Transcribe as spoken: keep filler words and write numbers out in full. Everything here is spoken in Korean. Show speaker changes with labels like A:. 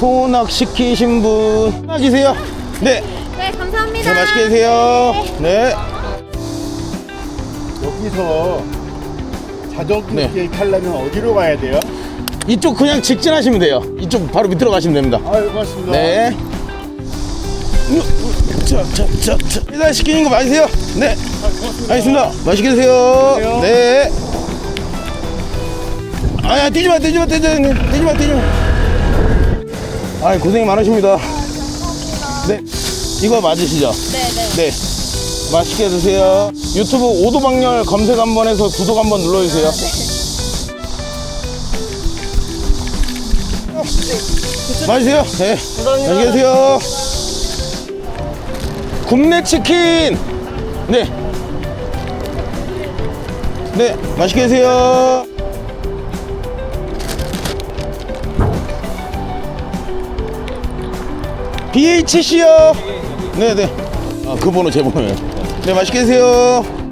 A: 소낙 시키신 분 소낙이세요? 네.
B: 네, 감사합니다.
A: 네, 맛있게 드세요. 네.
C: 여기서 자전거
A: 네.
C: 길 타려면 어디로 가야 돼요?
A: 이쪽 그냥 직진하시면 돼요. 이쪽 바로 밑으로 가시면 됩니다.
C: 아유, 고맙습니다.
A: 네. 자, 자, 자, 자. 일단 시키는 거 맞으세요? 네. 알겠습니다. 맛있게 드세요.
C: 드세요.
A: 네. 아야, 뛰지 마, 뛰지 마, 뛰지 마, 뛰지 마, 뛰지 마. 아, 고생 많으십니다. 네. 이거 맞으시죠?
B: 네네.
A: 네. 맛있게 드세요. 유튜브 오도방열 검색 한번 해서 구독 한번 눌러주세요. 맛있어요? 네. 맛있게 드세요. 굽네 치킨. 네. 네. 맛있게 드세요. 비에이치씨요. 네네. 아, 그 번호 제 번호예요. 네, 맛있게 드세요.